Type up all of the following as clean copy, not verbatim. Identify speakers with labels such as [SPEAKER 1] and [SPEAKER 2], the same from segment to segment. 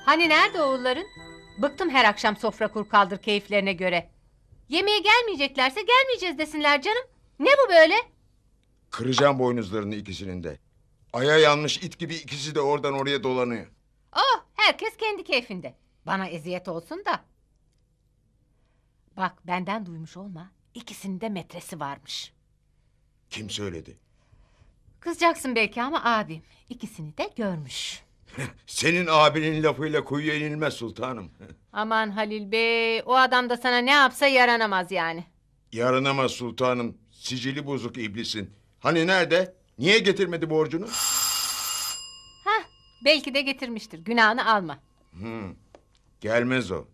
[SPEAKER 1] Hani nerede oğulların? Bıktım her akşam sofra kur kaldır keyiflerine göre. Yemeğe gelmeyeceklerse gelmeyeceğiz desinler canım. Ne bu böyle?
[SPEAKER 2] Kıracağım boynuzlarını ikisinin de. Aya yanmış it gibi ikisi de oradan oraya dolanıyor.
[SPEAKER 1] Oh, herkes kendi keyfinde. Bana eziyet olsun da. Bak benden duymuş olma. İkisinin de metresi varmış.
[SPEAKER 2] Kim söyledi?
[SPEAKER 1] Kızacaksın belki ama abim ikisini de görmüş.
[SPEAKER 2] Senin abinin lafıyla kuyuya inilmez sultanım.
[SPEAKER 1] Aman Halil Bey, o adam da sana ne yapsa yaranamaz yani.
[SPEAKER 2] Yaranamaz sultanım. Sicili bozuk iblisin. Hani nerede? Niye getirmedi borcunu?
[SPEAKER 1] Hah, belki de getirmiştir. Günahını alma.
[SPEAKER 2] Gelmez o.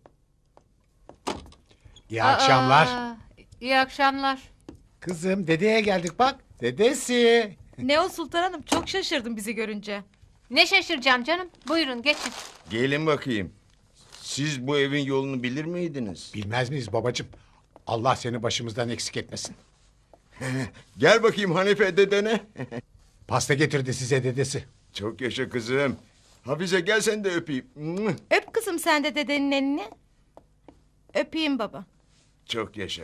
[SPEAKER 3] İyi akşamlar.
[SPEAKER 1] İyi akşamlar.
[SPEAKER 3] Kızım dedeye geldik bak. Dedesi.
[SPEAKER 4] Ne o Sultan Hanım, çok şaşırdım bizi görünce.
[SPEAKER 1] Ne şaşıracağım canım. Buyurun geçin.
[SPEAKER 2] Gelin bakayım. Siz bu evin yolunu bilir miydiniz?
[SPEAKER 3] Bilmez miyiz babacığım? Allah seni başımızdan eksik etmesin.
[SPEAKER 2] Gel bakayım Hanife dedene.
[SPEAKER 3] Pasta getirdi size dedesi.
[SPEAKER 2] Çok yaşa kızım. Hafize gel sen de öpeyim.
[SPEAKER 4] Öp kızım sen de dedenin elini. Öpeyim baba.
[SPEAKER 2] Çok yaşa.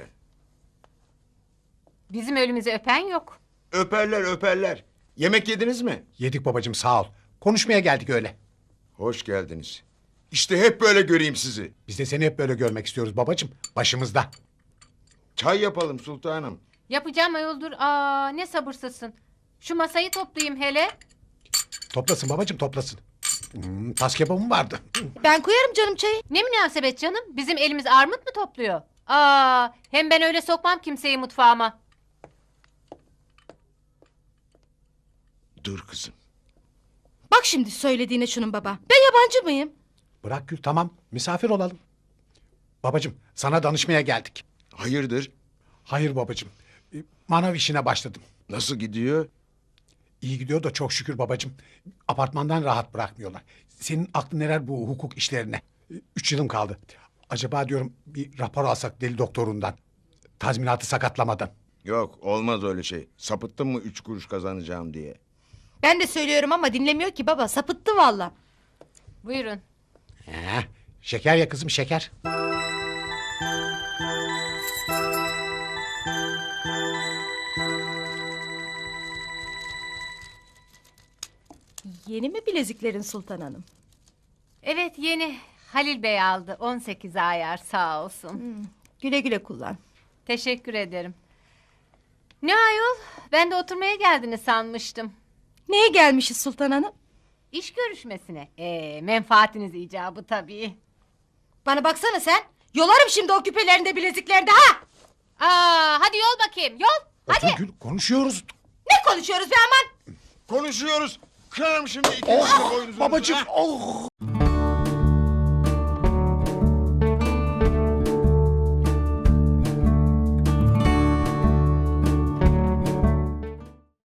[SPEAKER 1] Bizim ölümüzü öpen yok.
[SPEAKER 2] Öperler öperler. Yemek yediniz mi?
[SPEAKER 3] Yedik babacığım sağ ol. Konuşmaya geldik öyle.
[SPEAKER 2] Hoş geldiniz. İşte hep böyle göreyim sizi.
[SPEAKER 3] Biz de seni hep böyle görmek istiyoruz babacığım. Başımızda.
[SPEAKER 2] Çay yapalım sultanım.
[SPEAKER 1] Yapacağım ayoldur. Ne sabırsızsın. Şu masayı toplayayım hele.
[SPEAKER 3] Toplasın babacığım toplasın. Tas kebabım vardı.
[SPEAKER 4] Ben koyarım canım çayı.
[SPEAKER 1] Ne münasebet canım. Bizim elimiz armut mu topluyor? Hem ben öyle sokmam kimseyi mutfağıma.
[SPEAKER 2] Dur kızım.
[SPEAKER 4] Bak şimdi söylediğine şunun baba. Ben yabancı mıyım?
[SPEAKER 3] Bırak Gül tamam misafir olalım. Babacığım sana danışmaya geldik.
[SPEAKER 2] Hayırdır?
[SPEAKER 3] Hayır babacığım. Manav işine başladım.
[SPEAKER 2] Nasıl gidiyor?
[SPEAKER 3] İyi gidiyor da çok şükür babacığım. Apartmandan rahat bırakmıyorlar. Senin aklın neler bu hukuk işlerine? 3 yılım kaldı. Acaba diyorum bir rapor alsak deli doktorundan. Tazminatı sakatlamadan.
[SPEAKER 2] Yok olmaz öyle şey. Sapıttın mı 3 kuruş kazanacağım diye.
[SPEAKER 4] Ben de söylüyorum ama dinlemiyor ki baba. Sapıttı valla.
[SPEAKER 1] Buyurun.
[SPEAKER 3] Şeker ya kızım şeker.
[SPEAKER 4] Yeni mi bileziklerin Sultan Hanım?
[SPEAKER 1] Evet yeni. Halil Bey aldı. 18 ayar sağ olsun.
[SPEAKER 4] Güle güle kullan.
[SPEAKER 1] Teşekkür ederim. Ne ayol? Ben de oturmaya geldiniz sanmıştım.
[SPEAKER 4] Neye gelmişiz Sultan Hanım?
[SPEAKER 1] İş görüşmesine. Menfaatiniz icabı tabii.
[SPEAKER 4] Bana baksana sen. Yolarım şimdi o küpelerinde bileziklerde ha.
[SPEAKER 1] Hadi yol bakayım yol.
[SPEAKER 3] Otur Gül konuşuyoruz.
[SPEAKER 4] Ne konuşuyoruz be aman.
[SPEAKER 2] Konuşuyoruz. Kırarım şimdi ikinizin de boynuzunuzu.
[SPEAKER 3] Babacığım.
[SPEAKER 2] ha?
[SPEAKER 3] Oh.